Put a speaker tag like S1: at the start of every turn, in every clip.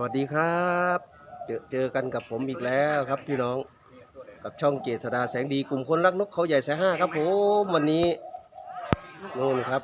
S1: วัสดีครับเจอกันกับผมอีกแล้วครับพี่น้องกับช่องเจษดาแสงดีกลุ่มคนรักนกเขาใหญ่สายห้าครับผมวันนี้นู่นครับ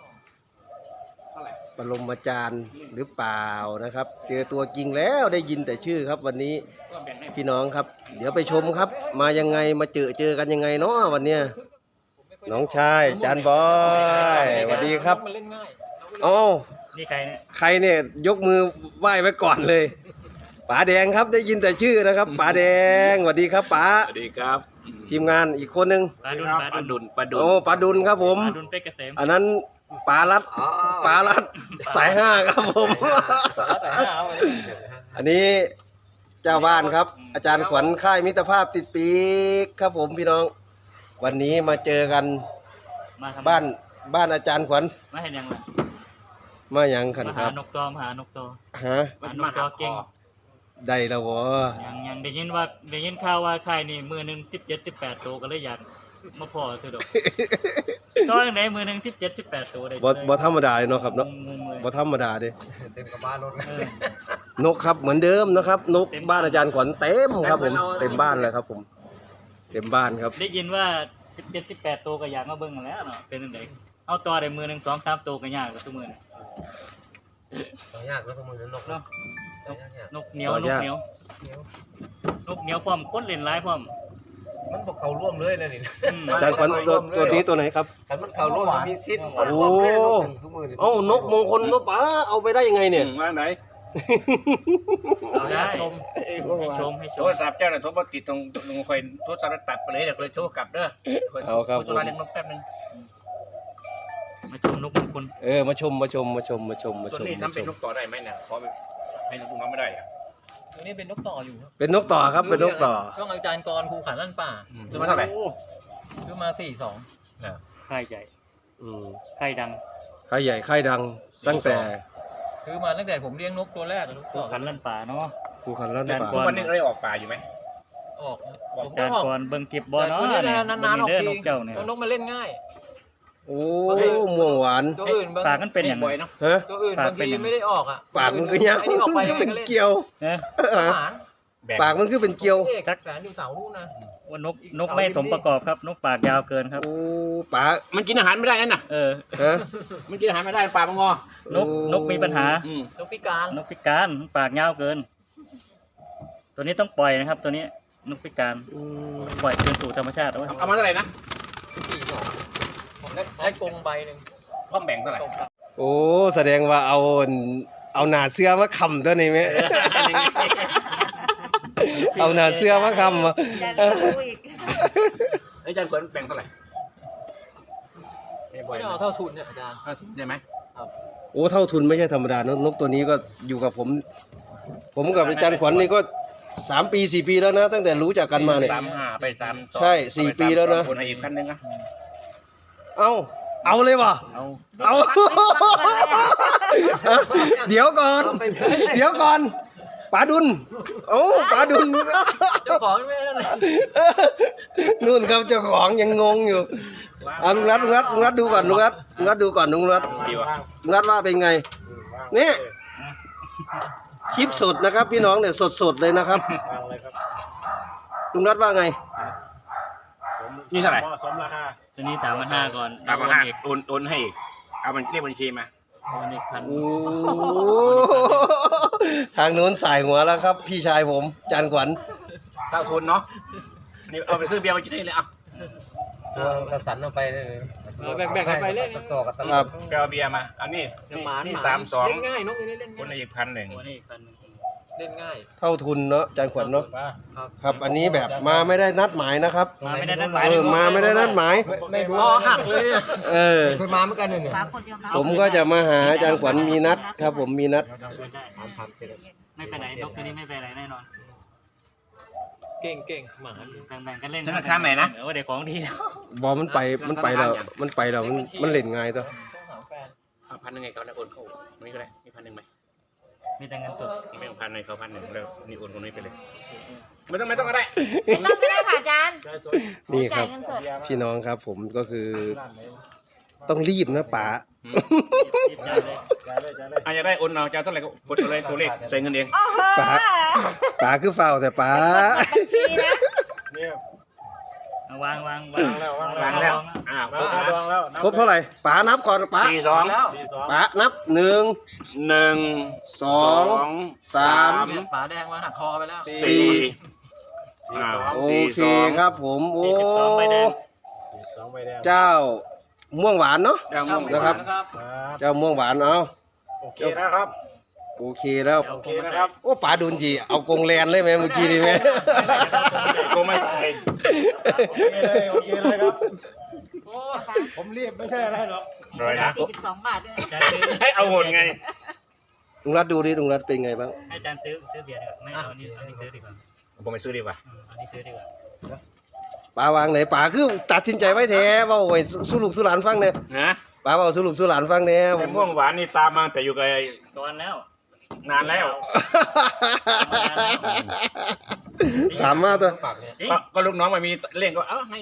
S1: ปรมาจารย์หรือเปล่านะครับเจอตัวจริงแล้วได้ยินแต่ชื่อครับวันนี้พี่น้องครับเดี๋ยวไปชมครับมายังไงมาเจอกันยังไงเนาะวันเนี้ยน้องชายจานบอยสวัสดีครับอ๋อ
S2: นี่ใครเนี่ย
S1: ใครเนี่ยยกมือไหว้ไว้ก่อนเลยป๋าแดงครับได้ยินแต่ชื่อนะครับป๋าแดงสวัสดีครับป๋า
S3: สวัสดีครับ
S1: ทีมงานอีกคนหนึ่ง
S2: ปลาดุน
S1: โอ้ป๋าดุลครับผม
S2: ปลาดุนเป็กเกษม
S1: อันนั้นป๋ารัดสายห้าครับผมอันนี้เจ้าบ้านครับอาจารย์ขวัญค่ายมิตรภาพติดปีกครับผมพี่น้องวันนี้มาเจอกันบ้านอาจารย์ขวัญ
S2: มาเห็นยังไง
S1: มาอย่างขันครับ
S2: มาหานกตอมาหานกตอ
S1: ฮะ
S2: นกตอเก่ง
S1: ได้แล้ววะ
S2: ยังได้ยินข่าวว่าใครนี่มือหนึ่ง17-18ตัวก็เลยอยากมาพอสุดอกตอนไหนมือหนึ่ง17-18ตัวได้
S1: บ่ธรรมดาเนาะครับเนาะบ่ธรรมดาเด้
S3: เต็มกับบ้านรถ
S1: นกครับเหมือนเดิมนะครับนกบ้านอาจารย์ขวัญเต็มครับผมเต็มบ้านเลยครับผมเต็มบ้านครับ
S2: ได้ยินว่า17-18ตัวก็อยากมาเบิ่งแล้วเนาะเป็นจังไดเอาต่อได้มือหนึ่ง2-3ตัวก็ยากกว่าซุมื้อนี่
S3: ยากก็ต้องมือนกเนาะ
S2: นกเหนียวพร้อมคนเล่นหลายพร้อม
S3: มันบอกเขาร่วมเลยนะนี่
S1: อาจารย์ขวัญตัวนี้ตัวไหนครับ
S3: แต่มันเขาร่วมมีซิด
S1: โอ้เอ้านกมงคลนกป๋าเอาไปได้ยังไงเนี่ย
S3: มาไหน
S2: เอาได้ชม
S3: โทรศัพท์เจ้าน่ะโทรมาติดตรงคอยโทรศัพท์ตัดไปเลยเดี๋ยวคอยโทรกลับเด้อ
S1: เอาครับ
S3: โทรเล่นนกแป๊บนึง
S2: มาชมนกมงคล
S1: มาชมตัว
S3: นี้ทำเป็นนกต่อได้ไหมเนี่ยเพราะให้นกน้องไม่ได้อะ
S4: ตัวนี้เป็นนกต่ออยู่ครับ
S1: เป็นนกต่อครับเป็นนกต่อ
S4: ต้องอาจารย์กรครูขันลั่นป่า
S3: ซื้อมาเท่าไหร่
S4: ซื้อมา42
S2: ค่ายใหญ่ค่ายดัง
S1: ค่ายใหญ่ค่ายดังตั้งแต่
S4: ซื้อมาตั้งแต่ผมเลี้ยงนกตัวแรก
S2: ครูขันลั่นป่าเนาะ
S1: ครูขันลั่นป่า
S3: ทุกวันนี้ได้ออกป่าอยู่ไหม
S4: ออก
S2: อาจารย์กรเบิ่งเก็บบอลเนาะ
S4: นานๆออกทีนกมาเล่นง่าย
S1: โอ้ม่วงหวาน
S4: ตัวอื่น
S2: ปากมันเป็นอย่าง
S3: ไรเนาะ
S4: ตัวอื่นบางทีไม่ได้ออกอ่ะ
S1: ปากมันก็ยาวเป็นเกลียวปากมันคือเป็นเกลียว
S4: จักแสนอยู่เสาลูกนะ
S2: ว่านกไม่สมประกอบครับนกปากยาวเกินครับ
S1: โอ้ปาก
S3: มันกินอาหารไม่ได้นั่นน่ะมันกินอาหารไม่ได้ปากมันง
S2: อนกมีปัญหาน
S4: กพิการ
S2: ปากยาวเกินตัวนี้ต้องปล่อยนะครับตัวนี้นกพิการปล่อยคืนสู่ธรรมชาติ
S3: เอามาเท่าไหร่นะ
S4: ได้กงใบหนึ่ง
S3: พ่อแบ่งเท่าไหร่
S1: โอ้แสดงว่าเอาหนาเสื้อมาคำตัวนี้ไหมเอาหนาเสื้อมาคำ
S3: อาจารย์ควรแบ่งเท่าไหร่
S4: ไม่เอาเท่าทุนเนี่ยอาจารย์
S3: เท่าทุนได้ไหม
S1: โอ้เท่าทุนไม่ใช่ธรรมดานกตัวนี้ก็อยู่กับผมกับอาจารย์ขวัญนี่ก็3 ปี4 ปีแล้วนะตั้งแต่รู้จักกันมาเนี่ย
S3: 3-5ไป3
S1: ใช่4 ปีแล้วนะ
S3: คนอีกคันนึงนะ
S1: เอาเลยวะเอาเดี๋ยวก่อนป๋าดุลป๋าดุล
S4: เจ้าของไม่ได้เลย
S1: นู่นครับเจ้าของยังงงอยู่ลุงรัฐดูก่อนลุงรัฐดูก่อนลุงรัฐว่าเป็นไงนี่คลิปสดนะครับพี่น้องเนี่ยสดเลยนะครับลุงรัฐว่าไง
S3: นี่เท่าไหร่
S2: สมราคาตัวนี้3,500ก่อน
S3: 3,500โอนให้อีกเอามันเรียกบัญชีมา
S1: ทางโน้นสายหัวแล้วครับพี่ชายผมจานขวัญ
S3: เท่าทุนเนาะนี่เอาไปซื้อเบียร์มากินได้เลย
S4: กระสันเอาไปเลยแบ่งกันไปเล่น
S3: ต่อกันครับไปเอาเบียร์มาอันนี้32
S4: เล่นง่ายนกนี้เล่นง่าย
S3: คนอีก1,000
S4: เล่นง่าย
S1: เท่าทุนเนาะจานขวัญเนาะครับอันนี้แบบมาไม่ได้นัดหมายนะครับ
S2: มาไม่ได้นัดหมาย
S1: มาไม่ได้นัดหมาย
S4: ไม่คอหักเลย
S3: เคยมาเหมือนกันเนี่ย
S1: ผมก็จะมาหาอาจารย์ขวัญมีนัดครับผมมีนัด
S2: ไม่ไปไหนนกตัวนี้ไม่ไปไหนแน่นอน
S4: เก่งหมา
S2: แบ่งกันเล่น
S3: ธนาคารไหนนะ
S2: เด็กของดี
S1: บอมันไปแล้วมันเล่นง่ายตัว
S3: 1,000ไงเขาได้โอนเข้านี่ก็ได้มี1,000ไหม
S2: มีแต่เงินสด
S3: ไม่ต้อง1,000เลยเขา1,000แล้วนี่โอนคนนี้ไปเลยไม่ต้องก็ได้
S5: ไม่ได้ค่ะอาจารย์
S1: นี่ครับพี่น้องครับผมก็คือต้องรีบนะป๋า
S3: อาจจะได้โอนเอาจะเท่าไหร่ก็กดเอาเลยตัวเลขใส่เงินเอง
S1: ป๋าคือเฝ้าแต่ป๋า
S5: บัญชีนะ
S2: เอาวาง
S3: วางแล้ว
S1: ครบเท่าไหร่ป๋านับก่อนป๋า
S3: 42
S1: ป๋านับ1
S3: 1
S1: 2 3
S4: ฝาแดงมาหักคอไปแล้ว
S3: 4
S1: โอเคครับผมโอ้
S2: 42ใบแดง
S1: เจ้าม่วงหวานเนาะ
S3: นะครับ
S1: เจ้าม่วงหวานเอา
S6: โอเคนะครับ
S1: โอเคแล้ว
S6: โอเคนะครับ
S1: โอ้ป๋าโดนจีเอากงแลนเลยไหมเมื่อกี้นี่ไหม
S3: ก็ไม่ใส่
S6: โอเคเลยโอเคเลยครับผมรีบไม่ใช่อะไรหรอก
S3: เลยนะ
S5: 42 บาทด้วย
S2: อาจารย์ซื้อ
S3: ให้เอาหมดไง
S1: ลุงรัฐดูดิลุงรัฐเป็นไงบ้าง
S2: ให้อาจารย์ซื้อเบียร์ดีกว่าไม่เอาอันนี้ซื้อดีกว่า
S3: ผมไปซื้อดีกว่า
S2: อันนี้ซื้อดีกว่า
S1: ป๋าวางไหนป๋าคือตัดสินใจไว้แท้เว่าไว้สู้ลูกสู้หลานฟังเนี่ย
S3: นะ
S1: ป๋าเว่าสู้ลูกสู้หลานฟังเนี่ย
S3: แต่ม่วงหวานนี่ตามมาแต่อยู่กับ
S2: ก่อนแล้ว
S3: นานแล้ว
S1: ถามมาตัว
S3: ก็ลูกน้องมามีเล่นก็เอ้าให้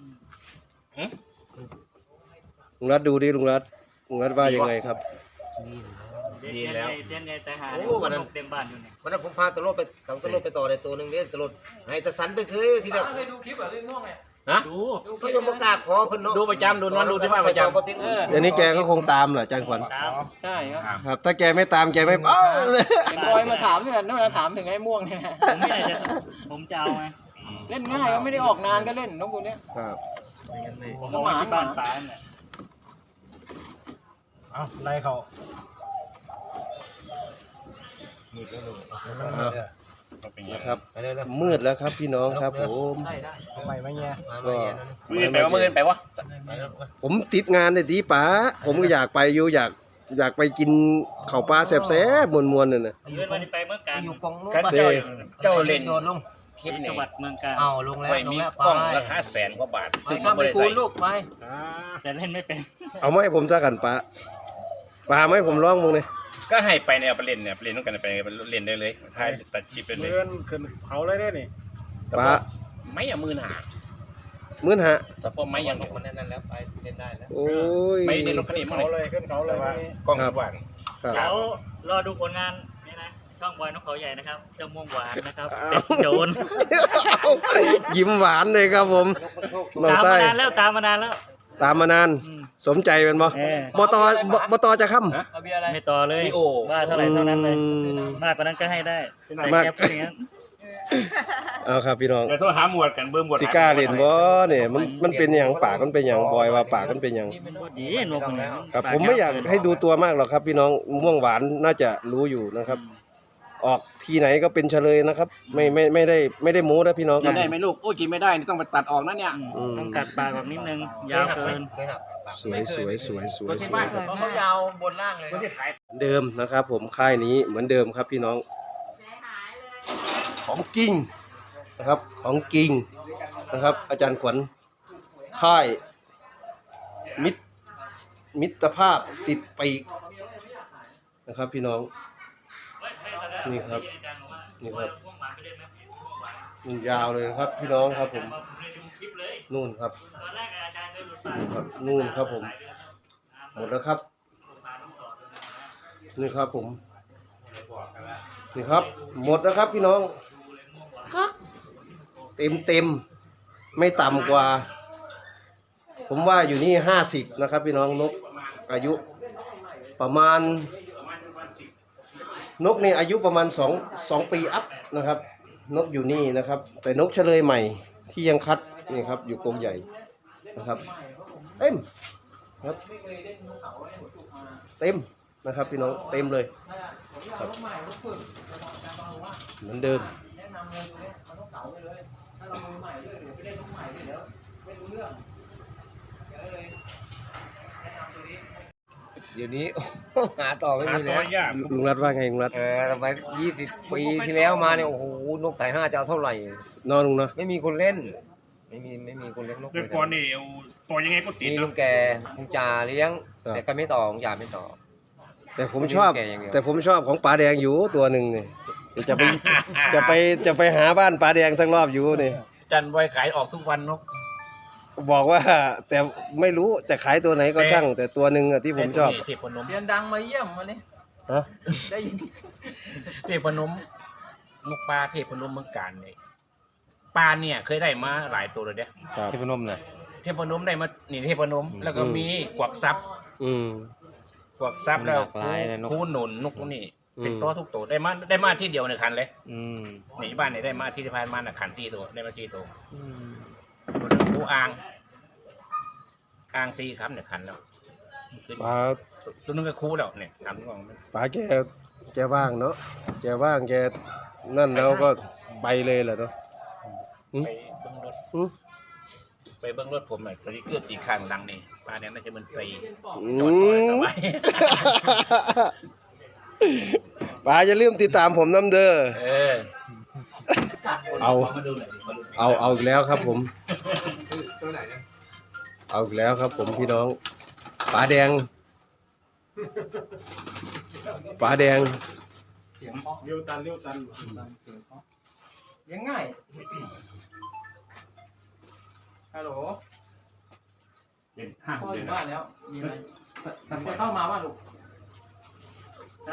S1: ลุงรัฐดูดิลุงรัฐว่ายังไงครับ
S2: เต้นไงแต่หาเต็มบ้านอยู่เนี่ย
S4: วันนั้นผมพาตะโลดไปสั่งตะโลดไปต่อในตัวหนึ่งเนี่ยตะโลดให้ตะสันไปซื้อทีเดียวเคยดูคลิปแบบม่วงเนี่ย
S3: ฮะ
S2: ดู
S4: เขายังบอกกล้าขอเพิ่นเนาะ
S3: ดูประจำดูนอนดูที่บ้านประจำ
S1: เดี๋ยวนี้แกก็คงตามเหรออาจารย์ขวัญ
S2: ตาม
S7: ใช่ครับ
S1: ครับ ถ้าแกไม่ตามแกไม่เอ้าเลย
S7: เห็นบอยมาถามเนี่ยนั่นมาถามถึงไอ้ม่วงเนี่ย
S2: ผมจะเอาไง
S7: เล่นง่ายก็ไม่ได้ออกนานก็เล่นนกตัวเนี้ย
S1: ครับ
S2: ผมเอาที่บ้านป๋าเนี่ย
S6: เอาไล่เขา
S1: นะครับมืดแล้วครับพี่น้องครับผม
S6: ทำไมไม่เงี้ย
S3: มือไปว่ามือไปวะ
S1: ผมติดงานเลยดีป๋าผมก็อยากไปอยู่อยากไปกินข้าวปลาแซ่บๆมวนๆน่ะนะ
S2: เลื่อนวันนี้ไปเมื่อการ
S4: อยู่กองนู้น
S3: กันเจ้าเล่น
S4: โดนลงคลิป
S2: จั
S4: นี่
S2: งหวัดเมืองการ
S4: เอาลงแล้ว
S3: ไม่
S4: ลง
S3: มี
S4: แล้วไป
S3: กล้องราคา100,000 กว่าบาท ซึ่ง
S7: ทำ
S3: ไม่
S7: ไป
S3: ได้
S7: คู
S3: ใส่
S7: ณลูกไป
S2: แต่เล่นไม่เป็น
S1: เอามาให้ผมซะกันป๋าป๋าไหมผมร้องมึงเนี่ย
S3: ก็ให้ไปเนี่ยไปเล่นเนี่ยไปเล่นต้องกันไปเล่นได้เลยถ่ายตัดคลิปเป็นเลย
S6: เดินขึ้นเขาเลยได้นี่
S1: ป๋า
S3: ไม่อย่ามือหนา
S1: มื้นฮะ
S3: แต่พอไม่ยัง
S4: มันนั่นแล้วไปเล่นได้แล้ว
S1: โอ้ย
S3: ไม่ได้ลงคดีมั้ง
S6: เขา
S3: เล
S6: เลย ยขึ้นเขาเลยนี่
S3: กล้องทุกวัน
S1: ครับ
S2: เดี๋ยวรอดูผลงานนี่นะช่องบอยนกเขาใหญ่นะครับเจ้าม่วงหวานนะครับเป็นโจร
S1: ยิ้มหวานเลยครับผมน้อง
S2: ตาม
S1: ไส้
S2: มานานแล้วตามมานานแล้ว
S1: ตามมานาน สมใจเป็นบ่
S2: เออบ
S1: ตจะค้
S7: เอาเบียร์อะไร
S2: ไม่ต่อเลย
S3: นี่โอ้
S2: ว่า
S1: ำ
S2: เท่าไหร่เท่านั้นเลยมากกว่านั้นก็ให้ได้แต่แกพูดอย่างนั้น
S1: เอาครับพี่น้อง
S3: เดี๋ยวโทรหาหมวดกันเบิ่มหมวด
S1: สิกล้าเล่นบ่เนี่ยมันเป็นอย่างปากมันเป็นอย่างบอยว่าปากมันเป็นอย่าง
S2: พูดดีนกคนนี้
S1: ครับผมไม่อยากให้ดูตัวมากหรอกครับ พี่น้องม่วงหวานน่าจะรู้อยู่นะครับ ออกทีไหนก็เป็นเฉลยนะครับ ไม่ได้โม้นะพี่น้องค
S3: กิ
S1: รับ
S3: นได้ไหมลูกโอ้ยกินไม่ได้นี่ต้องไปตัดออกนะเนี่ย
S2: ต้องกัดปากแบบนิดนึงยาวเกิน
S1: สวยสวยสวยสวยสวย
S7: เพราะเขายาวบนล่างเลย
S3: คนที่ขาย
S1: เดิมนะครับ ผมค่ายนี้เหมือนเดิมครับพี่น้อง ของจริงนะครับของจริงนะครับ อาจารย์ขวัญค่ายมิตรภาพติดปีกนะครับ พี่น้องนี่ครับนี่ครับนี่ยาวเลยครับ พี่น้องครับผมนู่นครับนู่นครับนู่นครับผมหมดแล้วครับนี่ครับผมนี่ครับ หมดแล้วครับพี่น้องเต็มไม่ต่ำกว่า ผมว่าอยู่นี่50นะครับพี่น้องนกอายุประมาณนกนี่อายุประมาณ2 ปีอัพนะครับนกอยู่นี่นะครับ แต่นกเฉลยใหม่ที่ยังคัดนี่ครับอยู่กรงใหญ่นะครับเต็มครับเต็มนะครับพี่น้องเต็มเลยครับเหมือนเดิม
S4: เดี๋ยวนี้ หาต่อไม่
S3: หา
S4: มี
S3: ตั
S4: แล้ว
S3: วยาก
S1: ลุงรัฐว่าไงลุงรัฐ
S4: ทำไม20 ปีที่แล้วมาเนี่ยโอ้โหนกสาย5จะเอาเท่าไหร่
S1: นอนลุงเนาะ
S4: ไม่มีคนเล่น ไม่มีคนเล่นนก
S3: เมื่อก่อนนี่เอาต่อยังไงก็ติด
S4: มีลุ
S3: เนาะ
S4: งแกลุงจ่าเลี้ยง แต่ก็ไม่ต่อลุงจ่าไม่ต่อ
S1: แต่ผมชอบ
S4: แก่อย่างเดียว
S1: แต่ผมชอบของป๋าแดงอยู่ตัวหนึ่งเนี่ยจะไปหาบ้านป๋าแดงสักรอบอยู่เนี่ย
S3: จันไว้ขายออกทุกวันนก
S1: บอกว่า แต่ไม่รู้แต่ขายตัวไหนก็ช่าง แต่ตัวหนึ่งอะที่ผมชอบ
S3: เทพนม
S7: เรียนดังมาเยี่ยมวันนี้
S1: ฮะ
S7: ได้ยิน
S3: เทพนมนกปลาเทพนมเมืองการเนี่ยปลาเนี่ยเคยได้มาหลายตัวเลยเด้
S1: ครับ
S4: ที่พนมน่ะ
S3: เทพนมได้มานี่เทพนม แล้วก็มีกวักซับ
S1: อืม
S3: กวักซับแล้ว
S4: หลากหลายเลยนก
S3: คูหนุนนกพวกนี้เป็น
S1: อืม
S3: ตัวทุกตัวได้มาที่เดียวในคันเลย
S4: อืม
S3: นี่บ้านเนี่ยได้มาที่ผ่านมาน่ะคัน4ตัวได้มา4ตัว
S4: อืม
S3: ตัวนึงคูอ่าง4ครับเนี่ยคันแล้วขึ้น
S1: ป๋า
S3: ตัวนึงก็คูแล้วเนี่ยทำก่อนมัน
S1: ป๋าแกว่างเนาะแกว่างแกนั่นแล้วก็ไปเลยแหละเนาะ
S3: ไปเบิ้งรถ
S1: อืม
S3: ไปเบิ้งรถผมหน่อยตอนนี้เกิดอีกข้างหลังนี่ปลาเนี่ยน่าจะมันตรี
S1: อื
S3: จอดก่อนส
S1: ม
S3: บาย
S1: ป๋าอย่าลืมติดตามผมน้ำเด้อ
S3: เออ
S1: เอา
S3: มาดูหน่อยดิมาดู
S1: เอาอีกแล้วครับผม เอาอีกแล้วครับผมพี่น้องป๋าแดงป๋าแดง
S7: เสียงเพราะ
S6: เลี้ยวตัน
S7: เสียงเพราะเลี้ยงง่ายฮัลโหล
S3: เด่นห้าง
S7: พ่ออ
S3: เด่น
S7: ยู่บ้านแล้ว มีอะไรจะเข้ามาว่าลูกฮะ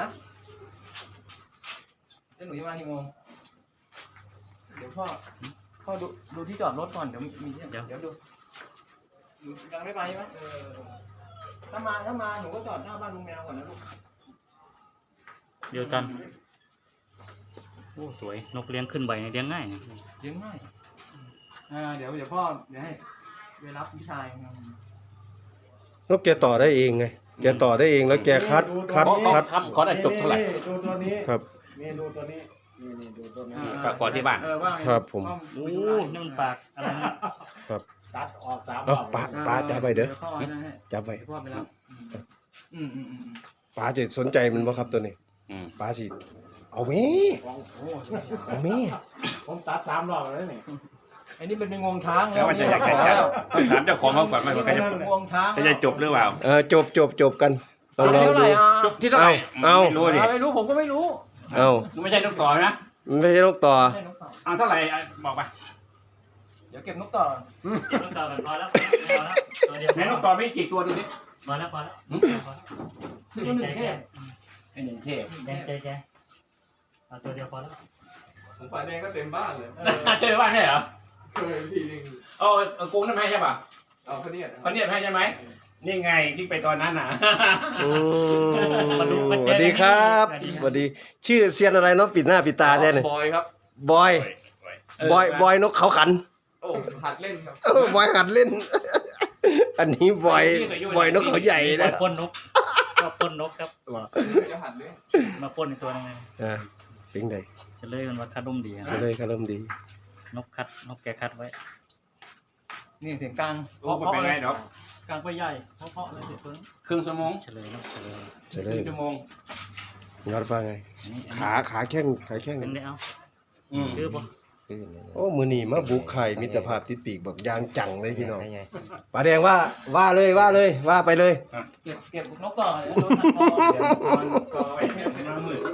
S7: เดี๋ยวหนูจะมากี่โมงเดี๋ยวพ่อดูที่จอดรถก่อนเดี๋ยวมีเดี๋ยวดูหนูยังไม่ไปใช่ไหมถ้ามาหนูก็จอดหน้าบ้านลุงแมวก่อนนะลูก
S2: เดียวกันโอ้สวยนกเลี้ยงขึ้นใบเนี่ยเลี้ยงง่ายนะ
S7: เลี้ยงง่ายเดี๋ยวพ่อเดี๋ยวให้ไปรับพี่ชาย
S1: นกแกต่อได้เองไงแกต่อได้เองแล้วแกคัด
S3: ขอได้จบเท่าไหร่
S6: ดูตัวนี้
S1: ครับ
S6: นี่ดูตัวนี้นี่ดูตัวนี้
S3: ฝากขอที่บ้าน
S7: ว่าไง
S1: ครับผม
S2: โอ้นี่มันปากอะไรนะ
S6: ตัดออก3ร
S1: เอ้า
S6: อบ
S1: ป๋าจับไปเด้อ
S7: พ่อให้นะให้
S1: จับไป
S7: พ่อไปรับอืม
S1: ป๋าจะสนใจมันบ่ครับตัวนี้
S3: อืม
S1: ป๋าสิเอาแม่
S7: โอ้
S1: เอาแม่
S6: ผมตัด3รอบแล้วนี่
S7: อันนี้เป็นงวงช้าง
S3: แล้วมันจะอยากจะต้องถามเจ้าของเขาก่อนว่าเขาจะ
S7: งวงช้าง
S3: จะจบหรือเปล่า
S1: จบกันลองดู
S3: จบที่เท่าไหร่
S1: เอา
S3: ไม่รู้ดิ
S7: ไม่รู้ผมก็ไม่รู้
S1: เอา
S3: ไม่ใช่นกต่อนะ
S1: มันไม่ใช่นกต่อ
S7: ให้นกต่อ
S3: เอาเท่าไหร่บอกไป
S7: เดี๋ยวเก็บนกต่อ
S2: เก็บนกต่อกันพอแล้วตัวเดียว
S3: ไหนนกต่อมีกี่ตัวดูดิ
S2: พอแล้วพอแล้ว
S7: ตัวหนึ่งแค่
S3: ไอ้หนึ่งเทพ
S2: แกเอาตัวเดียวพอแล้ว
S8: ผมฝ่ายแดงก็เต็มบ้านเลย
S3: เจอบ้านใช่เหรอ
S8: เคยทีนึง
S3: เอากรุงนั่นให้ใช่ป่ะ
S8: เอาเขาเนี่ย
S3: เขาเนี่ยให้ใช่ไหมนี่ไงที่ไปตอนนั้นน่ะ
S1: อืมสวัสดีครับสวัสดีชื่อเซียนอะไรเนาะปิดหน้าปิดตาแท้เนี่ย
S8: บอยครับ
S1: บอยบอยนกเขาขัน
S8: โอ้หัดเล่นครับ
S1: บอยหัดเล่น อันนี้บอยนกเขาใหญ่นะ
S2: ปล้นนกก็ปล้นนกครับ
S8: จะหัดเล่น
S2: มาปล้นในตัวนึง
S1: อ่าเป็นไง
S2: เฉลยมันว่าคัดร่มดี
S1: เสเลยก็เริ่มดี
S2: นกแกคัดไว้
S7: นี่เสียงกลาง
S3: โอ้เป็นไงดอก
S7: กลางไปใหญ่เพราะเลยเสียงตัวนั้น
S3: ครึ่งชั่วโมง
S2: เฉลยนกเฉลย
S1: เสเล
S3: ครึ่
S1: ย
S3: งชั่วโมง
S1: ยอดว่าไง ขาแข้ง
S2: เป็นได้เอา
S3: อืม
S2: คือปะ
S1: โอ้มือนี่มาบุกไข่มิตรภาพติดปีกบอกยางจังเลยพี่น้องป๋าแดงว่าเลยว่าไปเลย
S7: เก็บนกต่อแล้วโดนหักคอ
S3: ก็ไปมามืดไป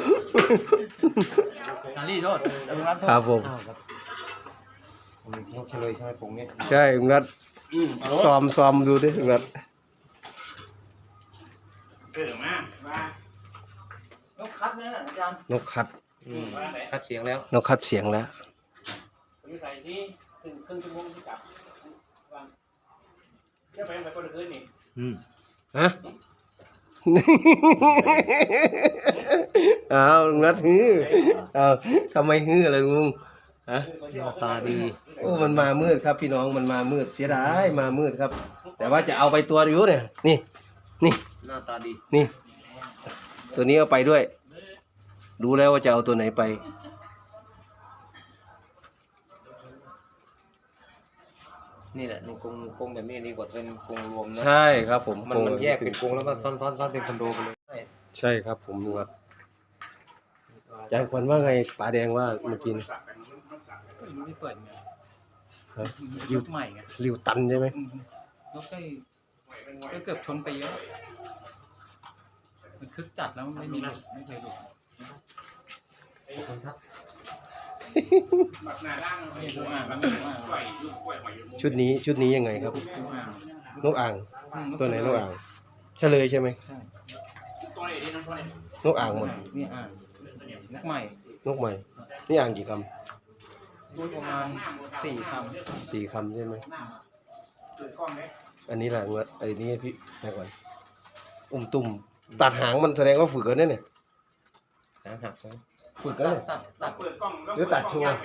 S7: นารีโทษเดี๋ยวรับโทษ
S1: ครับผม
S4: นกเฉลยใช่ไหมปงนี้
S1: ใช่ลุงรัฐ
S3: เอารถ
S1: ซ้อมดูดิลุงรัฐ
S3: มา
S7: นกคัดนั่นน่ะอาจารย์
S1: นกคัด
S3: ว่าไหน
S4: คัดเสียงแล้ว
S1: นกคัดเสียงแล้ว
S3: ใส่ที่ครึ่งชั่วโมงที่กลับจะไปไหนคนคืนนี่
S1: ฮะ เอาลุงรัฐฮือเอาทำไมฮืออะไรลุงฮะ
S4: หน้าตาดี
S1: โอ้มันมามืดครับพี่น้องมันมามืดเสียดายมามืดครับ แต่ว่าจะเอาไปตัวอยู่เนี่ยนี่
S4: หน้าตาดี
S1: นี่ ตัวนี้เอาไปด้วย รู้แล้วว่าจะเอาตัวไหนไป
S4: นี่แหละในกรงแบบนี้ดีกว่าเป็นกรงรวมนะ
S1: ใช่ครับผม
S4: มันแยกเป็นกรงแล้วมันซ้อนเป็นคอนโดไปเลย
S1: ใช่ครับผมลุงรัฐอาจารย์ควันว่าไงป๋าแดงว่าเมื่อกี้นี่
S7: ไม่เปิดไง
S1: ฮะ
S7: ยุคใหม่ไง
S1: ริวตันใช่ไหม
S7: นกได้เกือบชนไปเยอะมันคึกจัดแล้วไม่มีหลุดไม่เคยหลุดนี่ตัวอ่าง
S1: ชุดนี้ยังไงครับ
S7: ตัวอ่าง
S1: นกอ่าง ตัวไหนนกอ่างเฉลยใช่ไหม
S7: ใช่
S1: นกอ่างหมด
S7: นี่อ่างนกใหม่
S1: นกใหม่นี่อ่างกี่ค
S7: ประมาณ4 คำ
S1: ำ4คำใช่ไหมอันนี้แหละงวดไอ้นี่ให้พี่แต่ก่อนตุ่มตัดหางมันแสดงว่าฝึกกันเนี่ย
S4: หัก
S1: ฝึกกันเลย
S7: ตัด
S1: หรือตัดชัวร์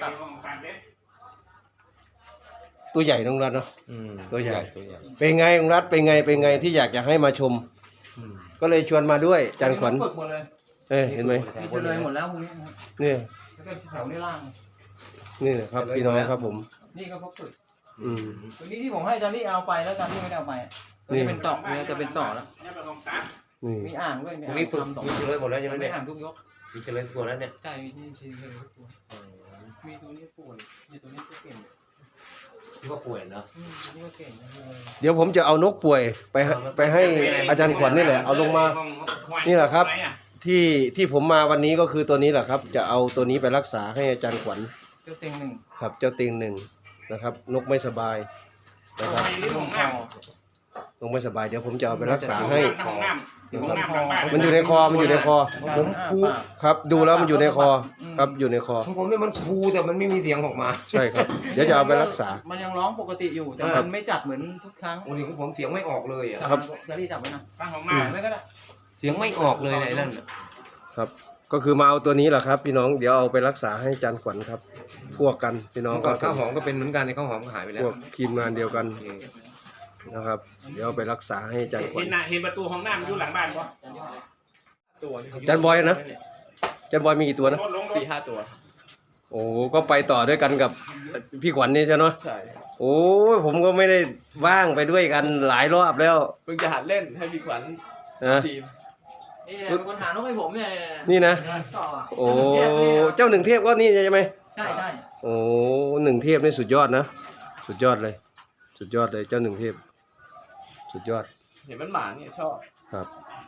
S1: ตัวใหญ่น้องรัฐเนาะ ตัวใหญ่ เป็นไงน้องรัฐเป็นไงที่อยากจะให้มาชม ก็เลยชวนมาด้วยจันขวัญ
S7: ฝึกหมดเลย
S1: เห็นไหม
S7: มีเฉลยหมดแล้วพวกนี้นะครับ
S1: เนี่ย
S7: แล้วก็แถวนี้ล่าง
S1: นี่นะครับพี่น้องครับผม
S7: นี่ก็เขาฝึก
S1: อืม
S7: ตัวนี้ที่ผมให้อาจารย์นี่เอาไปแล้วอาจารย์นี่ไม่ได้เอาไปตัวนี้เป็นต่อเนี่ยจะเป็นต่อแล้ว
S1: นี่
S7: มีอ่างด้วย
S4: พวกนี้ฝึก
S7: ต่อ
S4: มีเฉลยหมดแล้วใช่ไหม
S7: ไม่
S4: เนี่ย
S7: อ่างทุกยก
S4: มีเฉลยทุกตัวแล้วเนี่ย
S7: ใช่มีที่เฉลยทุกตัวมีตัวนี้ป่วยมีตัวนี้ก็เก่ง
S4: ที่ว่าป่วยเนาะ
S7: ตัวนี้ก็เก่งนะ
S1: เดี๋ยวผมจะเอานกป่วยไปให้อาจารย์ขวัญนี่แหละเอาลงมา นี่แหละครับ ที่ผมมาวันนี้ก็คือตัวนี้แหละครับ จะเอาตัวนี้ไปรักษาให้อาจารย์ขวัญ
S7: เจ้าเต็งหนึ่ง
S1: ครับเจ้าเตียงหนึ่งนะครับ นกไม่สบายนะครับ
S7: ลงคอน
S1: กไม่สบายเดี๋ยวผมจะเอาไปรักษาให้
S7: มันอยู่ในคอ
S1: มันอยู่ในคอผมครับ ดูแล้วมันอยู่ในคอครับอยู่ในคอ
S4: ของผมเนี่ยมันฟูแต่มันไม่มีเสียงออกมา
S1: ใช่ครับ เดี๋ยวจะเอาไปรักษา
S7: มันยังร้องปกติอยู่แต่มันไม่จัดเหมือนทุกครั้ง
S4: วันนี้ของผมเสียงไม่ออกเลยอ่ะ
S1: ครับ
S7: จะรีจับไว้นะ
S2: ตั้งของ
S7: ห
S2: มา
S7: มไม่ก็ได้
S4: เสียงไม่ออกเลยไหนนั่น
S1: ครับ ก็คือมาเอาตัวนี้แหละครับ พี่น้องเดี๋ยวเอาไปรักษาให้อาจารย์ขวัญครับ พวกกันพี่น้อง
S4: เมื่อก่อนข้าวหอมก็เป็นเหมือนกันในข้าวหอมก็หายไปแล้
S1: พ
S4: ว
S1: วกทีมงานเดียวกันนะครับ เดี๋ยวเอาไปรักษาให้อาจารย์ขวัญ
S2: เห็นประตูห้องน้ำอยู่หลังบ้านปะ
S1: อาจารย์บอยนะอาจารย์บอยมีกี่ตัวนะ
S8: 4-5 ตัว
S1: โอ้ก็ไปต่อด้วยกันกับพี่ขวัญนี่ใช่ไหม
S8: ใช่
S1: โอ้ยผมก็ไม่ได้ว่างไปด้วยกันหลายรอบแล้ว
S8: เพิ่งจะหัดเล่นให้พี่ขวัญ
S1: นะ
S8: ทีม
S7: นี่เป็นคนหานกให้ผมเนี่ย
S1: นี่นะ
S7: ต่อ
S1: โอ้เจ้าหนึ่งเทพก็นี่ใช่ไหม
S7: ใช่ใช่
S1: โอ้หนึ่งเทพนี่สุดยอดนะสุดยอดเลย สุดยอดเลยเจ้าหนึ่งเทพสุดยอด
S8: เห็นมันหมาเนี่ยชอบ
S1: ครับ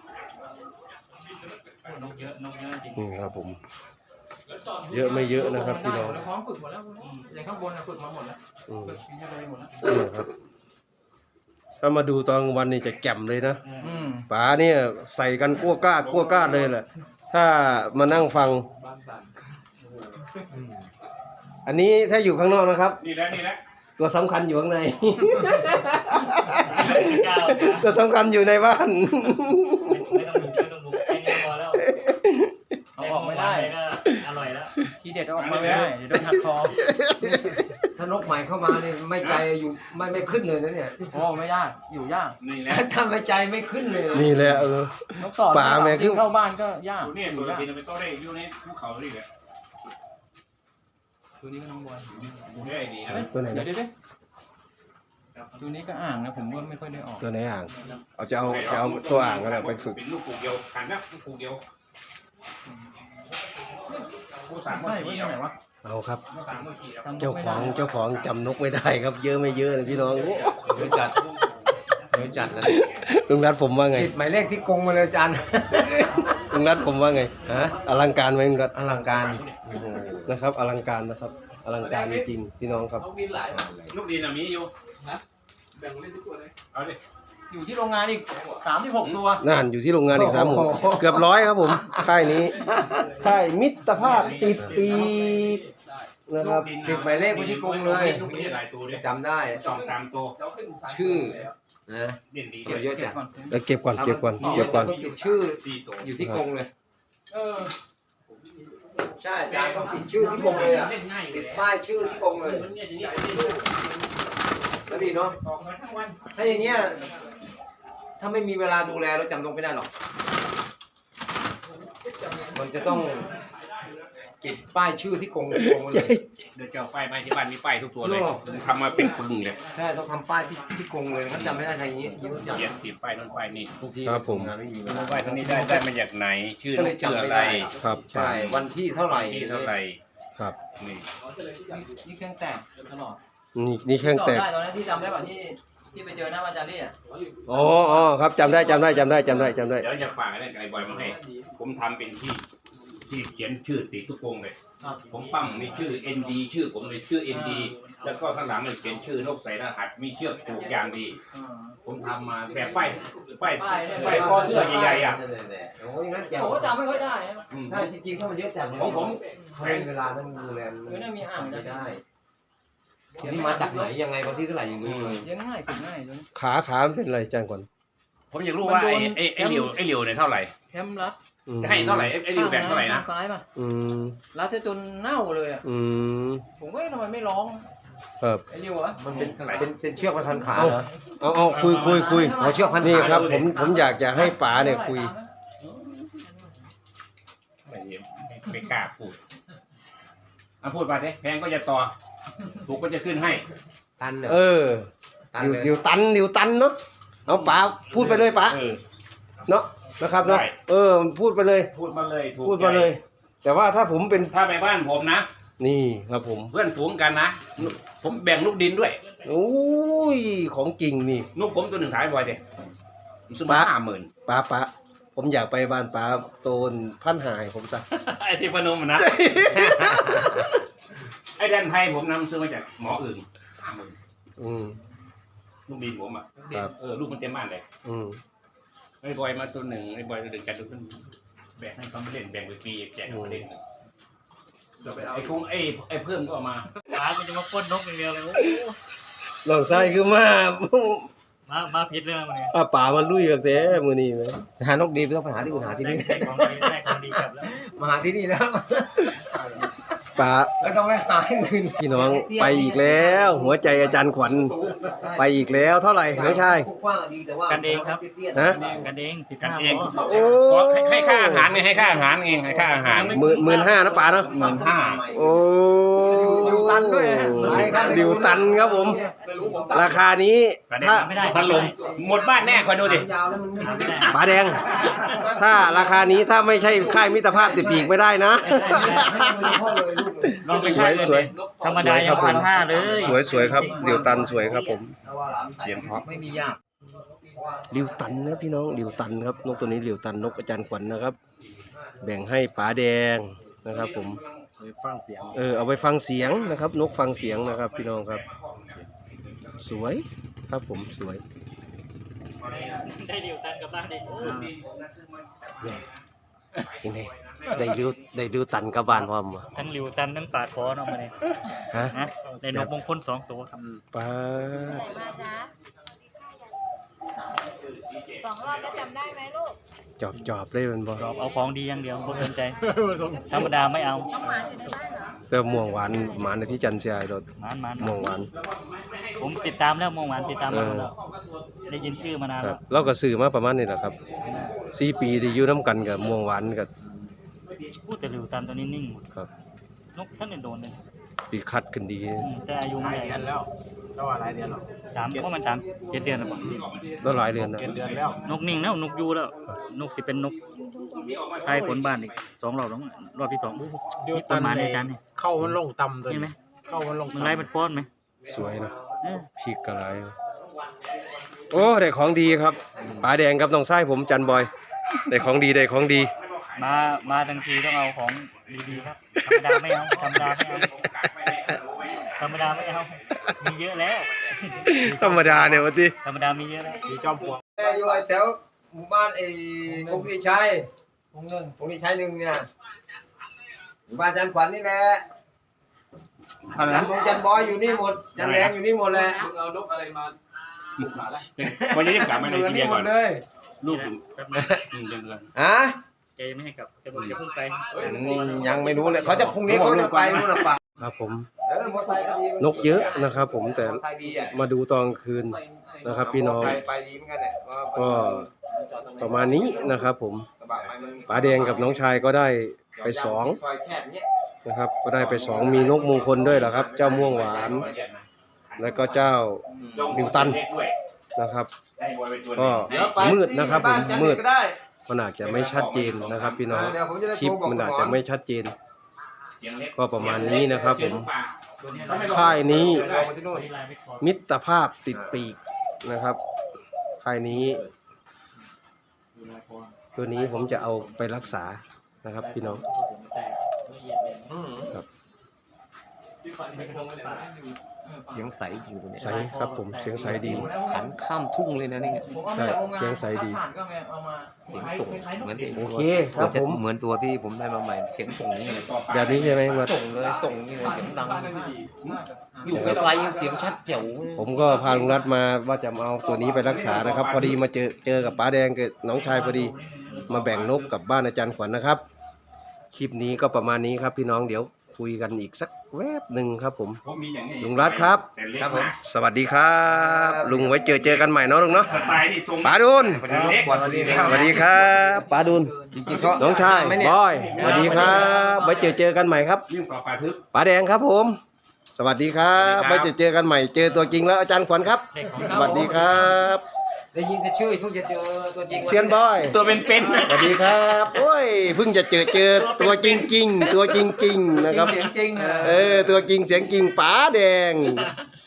S2: นกเยอะจริง
S1: นี่ครับผม เยอะไม่เยอะนะครับพี่น้อง
S7: พร้อมฝึกหมดแล้วอย่างข้างบนนะฝึกมาหมดแล้ว
S1: อืม
S7: ฝึกมีอะไรหมดแล้ว
S1: นี่ครับถ้ามาดูตอนกลางวันนี่จะแจ่มเลยนะ
S7: อืม
S1: ป๋าเนี่ยใส่กันกั้วกล้าดเลยแหละถ้ามานั่งฟัง
S8: บ้านสั่น
S1: อันนี้ถ้าอยู่ข้างนอกนะครับ
S2: นี่แหละ
S1: ตัวสำคัญอยู่ข้างใน
S2: ก้าว
S1: ตัวสำคัญอยู่ในบ้าน
S2: ไม่ต้องบุกแค่นี้พอแล้ว
S7: เอาออกไม่ได้
S2: ก็อร่อยแล้ว
S7: ทีเด็ดเอาออกมาไม่ได้เดี๋ยวโดนหักคอ
S4: ถ้านกใหม่เข้ามาเนี่ยไม่ใจอยู่ไม่ขึ้นเลยนะเนี่ย
S7: โอ้ไม่ยากอยู่ยาก
S2: นี่แหละ
S4: ถ้าไม่ใจไม่ขึ้นเลย
S1: นี่แหละเออ
S7: นกต่อ
S1: ป่าแม่คือ
S7: เข้าบ้านก็ยาก
S2: นี่ตัวที่เราไปโต้ได้อยู่ในภูเขานี่แหละ
S7: ตัวนี้ก็น้องบอย
S2: ดูได้ดีนะ
S1: ตัวไหน
S7: เดี๋ย
S1: นะ
S7: วตัวนี้ก็อ่างนะผมก็ไม่ค่อยได้ออก
S1: ตัวไหนอ่างเอาจะเอาตัวอ่างกันแหละไปฝึก
S2: เป็นลูกปลูกเดียวขันนะลูกปลูกเดียวผู้สาม
S7: ไม่ไว้ที่ไหนวะ
S1: เอาครับ
S2: ผู้สามเมื่อกี้ครับ
S7: จำนก
S1: เจ้า
S7: ไม่
S1: ข
S7: ได้
S1: องเจ้าของจำนกไม่ได้ครับ เยอะไม่เยอะนะพี่น้องโอ้
S4: เดี๋ยวจัดนะ
S1: ลุงรัฐผมว่าไง
S4: ติดหมายเลขที่กงมาเลยอาจารย์
S1: ลุงรัฐผมว่าไงฮะอลังการไหมลุงรัฐ
S4: อลังการ
S1: นะครับอลังการนะครับอลังการจริงๆพี่น้องครับ
S8: นกบินหลาย
S2: ลูกดีนะมีอยู่
S8: แบ่งเล่นทุกตัวเลย
S2: เอาดิ
S7: อยู่ที่โรงงานอีก36 ตัว
S1: นั่นอยู่ที่โรงงานอีก3 หมู่เกือบ100ครับผมค่ายนี้ค่ายมิตรภาพติดปีกนะครับ
S4: ติดหมายเลขไว้ที่กรงเลย
S2: ลูกนี้หลายตัวเลย
S4: จำได้
S2: 2-3 ตัว
S8: เราขึ้นชั้น
S4: ชื่อนะ
S2: เด่นดี
S4: เดี๋ยวเยอะ
S7: เก็บ
S4: จัด
S7: ก่อน
S1: เก็บก่อน
S4: ต้องติดชื่อ
S2: 4 ตัว
S4: อยู่ที่กรงเลย
S7: เออ
S4: ใช่อาจารย์ต้องติดชื่อที่กรงเลยอ่ะ
S2: เล่นง่าย
S4: ติดป้ายชื่อที่กรงเลย
S2: มันเนี่ยอย่างนี้
S4: แล้วดีเนาะ
S2: ออกมาทั้งวัน
S4: ถ้าอย่างเงี้ยถ้าไม่มีเวลาดูแลเราจำนกไม่ได้หรอก มันจะต้องติดป้ายชื่อที่กรงเลย
S2: เดี๋ยวเจ้าป้ายมาที่บ้านมีป้ายทุกตัวเลยทำมาเป็นปึงเลย
S4: ใช่ต้องทำป้ายที่กรงเลยงั้นจำไม่ได้ทางนี้เยอะจัง
S2: เขียนติดป้ายนั่นป้ายนี่
S4: บางที
S1: ครับผม
S4: งานไม่มีเว
S2: รู้
S4: ลา
S2: ป้ายตัวนี้ได้มาจากไหน ชื่อ
S4: ก็
S2: น
S4: เลย
S2: กชื่อ
S4: จำ
S2: อะ
S4: ไม่
S2: ไร
S4: ได้
S1: ครับ
S4: ใช่วันที่เท่าไหร่
S2: ที่เท่าไหร่
S1: ครับ
S2: นี่
S7: นี่เครื่องแตกตลอด
S1: นี่แข้งแตก
S7: ได้ตอนนั้นที่จำได้ป่ะที่ไปเจอหน้าอาจารย์ลี่อ่ะ
S1: อ๋อ ครับจำได้
S2: เดี๋ยวจะฝากอะไรกับไอ้บอยมาให้ ผมทำเป็นที่
S3: ที่เขียนชื่อติดทุกวงเลยผมปั้มมีชื่อ ND ชื่อผมเลยชื่อ ND แล้วก็ข้างหลังเลยเขียนชื่อนกใส่รหัสมีเชือกผูกอย่างดีผมทำมาแบบป้ายคอเสื้อใหญ่ๆอ่ะ
S4: โอ้ยงั้นแจ๋ว
S7: ผมก็จำไม่ค่อยได้นะ
S4: ถ้าจริงๆถ้ามันเยอะจัด
S3: ของผม
S4: ใช้เวลานั้นดูแล
S7: น่ามีอ่าง
S4: ไม่ได้ทีนี้มาจากไหนยังไงวันที่เท่าไหร่ยังรู้เลย
S7: เลี้ยงง่ายฝึกง่ายจน
S1: ขามันเป็นอะไรจ้างก่อน
S3: ผมอยากรู้ว่าไอ้เหลียวเนี่ยเท่าไหร่
S7: แคมรัด
S1: อืม
S3: ให้เท่าไหร่ไอ้เหลียวแบ่งเท่าไหร่นะ
S7: ซ้ายป่ะ
S1: อืม
S7: รัดจนเน่าเลยอ่ะ
S1: อืม
S7: ผมก็ทำไมไม่ร้อง
S1: ครับ
S7: ไอ้เรียวอะ
S3: มันเป็นเท่าไหร่
S4: เป็นเชือกพันขาเหรอ
S1: เอาคุย
S4: เอาเชือกพันขา
S1: นี่ครับผมอยากจะให้ป๋าเนี่ยคุย
S3: ไม่กล้าพูดพูดมาดิแพงก็จะต่อถูกก็จะขึ้นให้
S4: ตัน
S1: เออเดี๋ยวตันเนาะเอาป๋าพูดไปเลยป๋าเนาะนะครับเนาะ
S3: ได้
S1: พูดไปเลย
S3: พูดมาเลยถูก
S1: พูดมาเลย แต่ว่าถ้าผมเป็น
S3: ถ้าไปบ้านผมนะ
S1: นี่ครับผม
S3: เพื่อนฝูงกันนะผมแบ่งลูกดินด้วย
S1: โอ้ยของจริงนี่
S3: ลูกผมตัวหนึ่งขายบ่อยดิผมซื้อมา50,000
S1: ป๋าผมอยากไปบ้านป๋าโตนพันหายผมซะ
S3: ไอ้ที่พนมนะ ไอ้แดนไทยผมนำซื้อมาจากหมออื่น50,000
S1: อืม
S3: ลูกดินผมอ่ะ
S1: ครับ
S3: ลูกมันเต็มบ้านเลย
S1: อืม
S3: ไอ้บอยมาตัวหนึ่งไอ้บอยตัวหนึ่งกันตัวนึงแบ่งให้เขาไม่เล่นแบ่งไปฟรีแจกเขาไม่เล่น
S8: เดี๋ยวไปเอา
S3: ไอ้คงไอ้เพิ่มก็เอามา
S2: ป๋ากูจะมาปล้นนกอย่างเดียวเลยโอ้
S1: ลองไส้คือมา
S2: มาผิดเรื่องมันเนี่ย
S1: ป๋ามันลุยกับแต่มื้อนี้ไหม
S4: หานกดีไม่ต้องไปหาที่อื่นหาที่นี่
S2: ได้ของดีได้ของดีกลับแล้ว
S4: มาหาที่นี่แล้ว
S1: ป๋า
S4: ไม่ต้องไปหาที่อื่น
S1: พี่น้องไปอีกแล้ว หัวใจอาจารย์ขวัญไปอีกแล้วเท่าไหร่น้องชาย
S4: กว้างดีแต่ว่า
S2: กันเองครับ
S1: ฮะ
S2: กันเองสิบ
S3: กัน
S2: ห้า
S3: เอง
S2: พอ
S1: โอ้
S3: ให้ค่าอาหารไงให้ค่าอาหารเองให้ค่าอาหาร
S1: 15,000นะป๋าเนาะ
S3: 15,000
S1: โอ้
S7: ดิวตันด้วยนะ
S1: ดิวตันครับผม ราคานี้ถ้า
S2: ไม่ได้
S3: พัดลมหมดบ้านแน่คอยดูดิ
S4: ยาวแล้วมัน
S2: ไม่ได้
S1: ป๋าแดง ถ้าราคานี้ถ้าไม่ใช่ค่ายมิตรภาพติดปีกไม่ได้นะ
S2: ลองไป
S1: ส
S2: ใช้
S1: วย
S2: เลย
S1: สวย
S2: ธรรมดายัง1,500เลย
S1: สวยครับดิวตันสวยครับผม
S3: เสียงเพราะ
S7: ไม่มียาก
S1: ดิวตันนะพี่น้องดิวตันครับนกตัวนี้ดิวตันนกอาจารย์ขวัญนะครับ แบ่งให้ป๋าแดงนะครับผมเอาไปฟังเสียงนะครับ นกฟังเสียงนะครับ พี่น้องครับ สวยครับผมสวย
S2: ได้ดิวตันกลับบ้านดิ
S1: ยังไงได้ดิวตันกับบ้านพร้อมวะ
S2: ทั้งดิวตันทั้งปาดคอเนาะมาเนี่ย
S1: ฮะ
S2: นะได้นกมงคล2 ตัวครับ
S1: ป้า
S5: ไหนมาจ๊ะ2 รอบแล้วจำได้ไหมลูก
S1: จอบเลยมันบ่
S2: เอาของดีอย่างเดียวบ่สนใจ ธรรมดาไม่เอา
S5: น้องหมาอยู่ในบ้านเหรอ
S1: แต่ม่วงหวานหมาในที่จันทร์เสียรถ
S2: มัน
S1: ม่วงหวาน
S2: ผมติดตามแล้วมองหวานติดตามมาแล้วได้ยินชื่อมานาน
S1: ครั
S2: แล้
S1: บ
S2: ว
S1: เราก็ซื้อมาประมาณนี้แหละครับ4 ปีที่อยู่น้ำกันกับม่วงหวานกับ
S2: พูดแต่ดิวตันตัวนี้นิ่งหมด
S1: ครับ
S2: นกท่านเนี่ยโดนเลย
S1: ปีคัดขึ้นดี
S2: แต่อายุ
S6: ห
S2: ไม่
S6: ลาย
S2: ใหญ่
S6: เดือนแล้วเจ้าว่าหลายเดือนหรอ
S2: เพราะมัน7 เดือนแล้วบ่
S1: แล้วหลายเดือนนะ
S6: เดือนแล้ว
S2: นกนิ่งแล้วนกอยู่แล้ว นกสิเป็นนกใช้ผลบ้านอีก2 รอบแล้วรอบที่2
S6: ดิว
S2: มีป
S6: ตั
S2: ระ
S6: น
S2: มาณในจานนี่
S6: เข้ามันลงต่ำตัว
S2: เห็นไหม
S6: นี้เข้ามันลง
S2: มึง
S6: ต่ำ
S2: ไล่มันฟ้อนไหม
S1: สวยนะ
S2: เออ
S1: พีกกระไรโอ้ได้ของดีครับป๋าแดงกับน้องไส้ผมจันบอยได้ของดีได้ของดี
S2: มาทั้งทีต้องเอาของดีๆครับธรรมดาไม่เอาธรรมดาไม่เอาธรรมดาไม่เอามีเยอะแล้ว
S1: ธรรมดาเนี่ยวันที่
S2: ธรรมดามีเยอะแล้ว
S6: ดีจอมปลวก
S4: อยู่แถวหมู่บ้านกรุงพิชัยกรุงพิชัย1เนี่ยหมู่บ้านจันขวัญนี่แหละจันบอยอยู่นี่หมดจันแดงอยู่นี่หมดแหละ
S8: มึงเอานกอะไรมาบุกหาอะไร
S3: วันนี้จะกลับมาใน
S4: อยู่
S3: ทีเดี
S4: นี่
S3: ยว
S4: หม
S3: ก่อ
S4: ด
S3: น
S4: เลย
S3: ลูก
S2: แป๊บนึง
S3: เดือน
S4: ฮะ
S2: แกยังไม่ให้กลับจะบอกจะเพิ่งไป
S4: ยังไม่รู้เลยเขาจะพรุ่งนี้เขาจะไปนู่นน่ะป่ะ
S1: ครับผม
S4: มอเตอร์ไซค์ก็ดี
S1: นกเยอะนะครับ ผมแต่
S4: มอเตอร์ไซค์ดีอ่ะ
S1: มาดูตอนกลางคืนนะครับ พี่น้อง
S4: ไปดีเหมือนกันแหละ
S1: ก็ประมาณนี้นะครับ ผม
S4: กระบะไปมัน
S1: ป๋าแดงกับน้องชายก็ได้ไป2
S4: ซอยแคบเนี้ย
S1: นะครับ ก็ได้ไป2มีนกมงคลด้วยเหรอครับ เจ้าม่วงหวาน แล้วก็เจ้าดิวตันนะครับ ก็
S4: เดี๋ยวไป
S1: มืดนะครับผม
S4: ที่านจันท
S1: มืด
S4: ก็ได้
S1: มันอาจจะไม่ชัดเจนนะครับ พี่น้อง
S4: เดี๋ยวผมจะได้
S1: คลิป
S4: โทรบอก
S1: มันอาจ
S4: คุณห
S1: จะ
S4: มอ
S1: ไม่ชัดเจน ก็ประมาณนี้นะครับผม ค่ายนี้
S4: เอาไปที่นู่น
S1: มิตรภาพติดปีกนะครับค่ายนี้ตัวนี้ผมจะเอาไปรักษานะครับ พี่น้อง
S2: เละเอียดเลย
S8: ที่ฝันไปกระทงเลยนะ
S4: เสียงใสจริงตัวเนี้ย
S1: ใสครับผมเสียงใสดี
S4: ขันข้ามทุ่งเลยนะนี่
S7: ผมเอามาจากโรงงาน
S1: เสียงใสดี
S7: ผ่านก็ไงเอามา
S4: เสียงส่งเหมือนที่
S1: โอเคครับผม
S4: เหมือนตัวที่ผมได้มาใหม่เสียงส่งนี่เลย
S1: แบบนี้ใช่ไหมลุงรัฐ
S4: ส่งเลยส่งนี่เลยเสียงดัง
S8: บ้านนั่นดี
S4: อยู่ไกลๆยังเสียงชัดแจ๋ว
S1: ผมก็พาลุงรัฐมาว่าจะมาเอาตัวนี้ไปรักษานะครับ พอดีมาเจอกับป้าแดงกับน้องชายพอดีมาแบ่งนกกับบ้านอาจารย์ขวัญนะครับ คลิปนี้ก็ประมาณนี้ครับพี่น้องเดี๋ยวคุยกันอีกสักแวบหนึ่งครับผม
S3: ผมมีอย่างนี้
S1: ลุงรัฐครับ
S3: แต่เล็ก
S4: ครับผม
S3: นะ
S1: สวัสดีครับ ลุงไว้เจอกันใหม่เนาะลุงเนาะ
S3: สไตล์นี่ทรง
S1: ป๋าดุล
S3: เล็ก
S4: สวัสดีครับ
S1: สวัสดีครับป๋าดุล
S4: จริงๆก็
S1: น้องชาย
S4: ไม่เนี่ย
S1: บอยสวัสดีครับไว้เจอกันใหม่ครับ
S3: ยิ่งกว่าปลาทึบ
S1: ป๋าแดงครับผม สวัสดีครับ
S3: สวั
S1: ไว้
S3: สดีครับ
S1: เจอกันใหม่เจอตัวจริงแล้วอาจารย์ขวัญครับ
S2: เด็กของ
S1: สวัสดีครับ
S4: ได้ยินแต่ชื่อเพิ่งจะเจอตัวจริง
S1: เซียนบอย
S2: ตัวเป็น
S1: สวัสดีครับโอ้ยเพิ่งจะเจอตัวจริงๆตัวจริงๆนะครับ
S7: เสียงจริง
S1: ตัวจริงเสียงจริงป๋าแดง
S2: ๆ